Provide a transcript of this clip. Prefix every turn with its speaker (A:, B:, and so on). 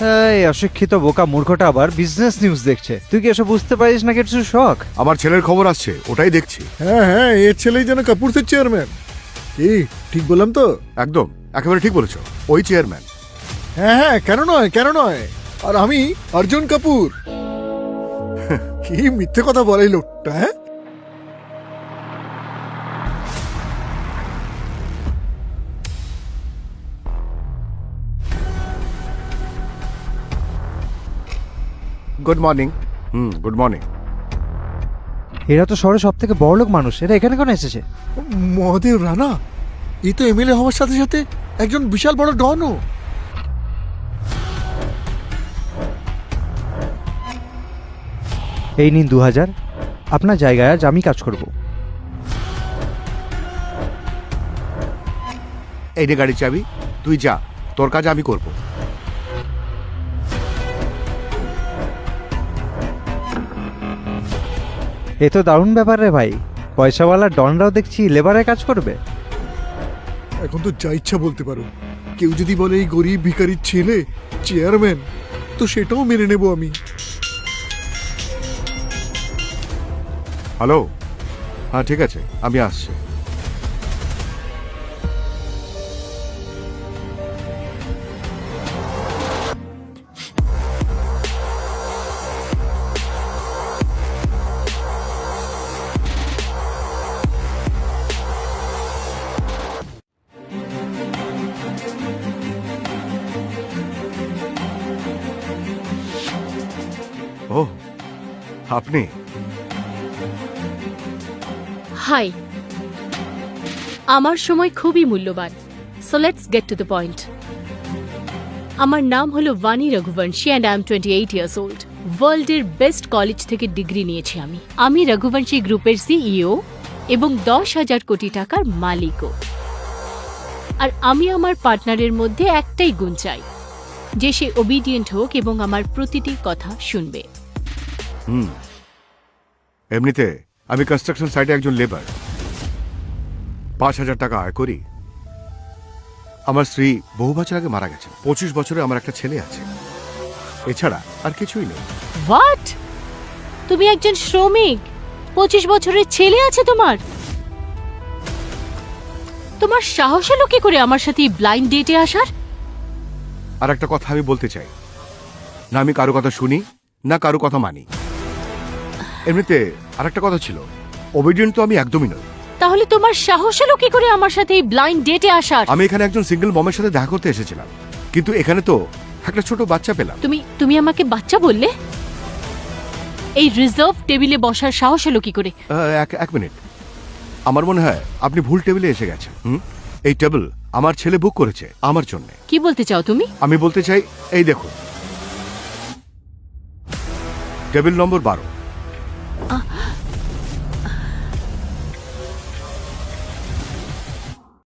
A: এই অশিক্ষিত বোকা মূর্খটা আবার বিজনেস নিউজ দেখছে। তুই কি এসব বুঝতে পারিস না কিছু শখ?
B: আমার ছেলের খবর আসছে, ওটাই দেখছি।
C: হ্যাঁ হ্যাঁ, এর ছেলেই যেন কাপুরসের চেয়ারম্যান। কি ঠিক বললাম তো?
B: একদম, একেবারে ঠিক বলেছ, ওই চেয়ারম্যান।
C: হ্যাঁ হ্যাঁ, কেন নয় কেন নয়। আর আমি অর্জুন কাপুর। কি মিথ্যে কথা বলে এই লোকটা। হ্যাঁ,
B: গুড মর্নিং। Good morning.
A: এরা তো শহরে সব থেকে বড় লোক মানুষ, এরা এখানে কেন এসেছে?
C: মহাদেব রানা, এই তো এমএলএ হওয়ার সাথে সাথে একজন বিশাল বড় ডনও।
A: এই নিন 2000, আপনার জায়গায় আজ আমি কাজ করব।
B: এই নে গাড়ির চাবি, তুই যা, তোর কাজ আমি করব।
A: এ তো দারুণ ব্যাপার রে ভাই, পয়সাওয়ালা ডনরাও দেখছি লেবারের কাজ করবে।
C: এখন তো যা ইচ্ছা বলতে পারো। কেউ যদি বলে এই গরিব ভিখারির ছেলে চেয়ারম্যান, তো সেটাও মেনে নেব আমি।
B: হ্যালো, হ্যাঁ ঠিক আছে, আমি আসছি। ও, আপনি?
D: হাই, আমার সময় খুবই মূল্যবান, so let's get to the point. আমার নাম হলো Bani Raghuvanshi and I am 28 years old. ওয়ার্ল্ডের বেস্ট কলেজ থেকে ডিগ্রি নিয়েছি আমি রঘুবংশী গ্রুপের সিইও এবং 10,000 কোটি টাকার মালিকও। আর আমি আমার পার্টনারের মধ্যে একটাই গুণ চাই, যে সে ওবিডিয়েন্ট হোক এবং আমার প্রতিটি কথা শুনবে।
B: এমনিতে আমি কনস্ট্রাকশন সাইটে একজন লেবার, 5,000 টাকা আয় করি। আমার স্ত্রী বহু বছর আগে মারা গেছে। 25 বছরে আমার একটা ছেলে আছে, এছাড়া আর কিছুই নেই।
D: হোয়াট? তুমি একজন শ্রমিক, 25 বছরের ছেলে আছে তোমার? তোমার সাহস হলো কি করে আমার সাথে ব্লাইন্ড ডেটে আসার?
B: আর একটা কথা আমি বলতে চাই, না আমি কারো কথা শুনি না কারো কথা মানি। এমনিতে আর একটা কথা ছিল, ওবিডিয়েন্ট তো আমি একদমই নই।
D: তাহলে তোমার সাহস হলো কি করে আমার সাথে ব্লাইন্ড ডেটে আসার?
B: আমি এখানে একজন সিঙ্গেল মমের সাথে দেখা করতে এসেছিলাম, কিন্তু এখানে তো একটা ছোট বাচ্চা পেলাম।
D: তুমি আমাকে বাচ্চা বললে? এই রিজার্ভ টেবিলে বসার সাহস হলো কি করে?
B: এক মিনিট, আমার মনে হয় আপনি ভুল টেবিলে এসে গেছেন। এই টেবিল আমার ছেলে বুক করেছে আমার জন্য।
D: কি বলতে চাও তুমি?
B: আমি বলতে চাই, এই দেখুন, টেবিল নম্বর 12।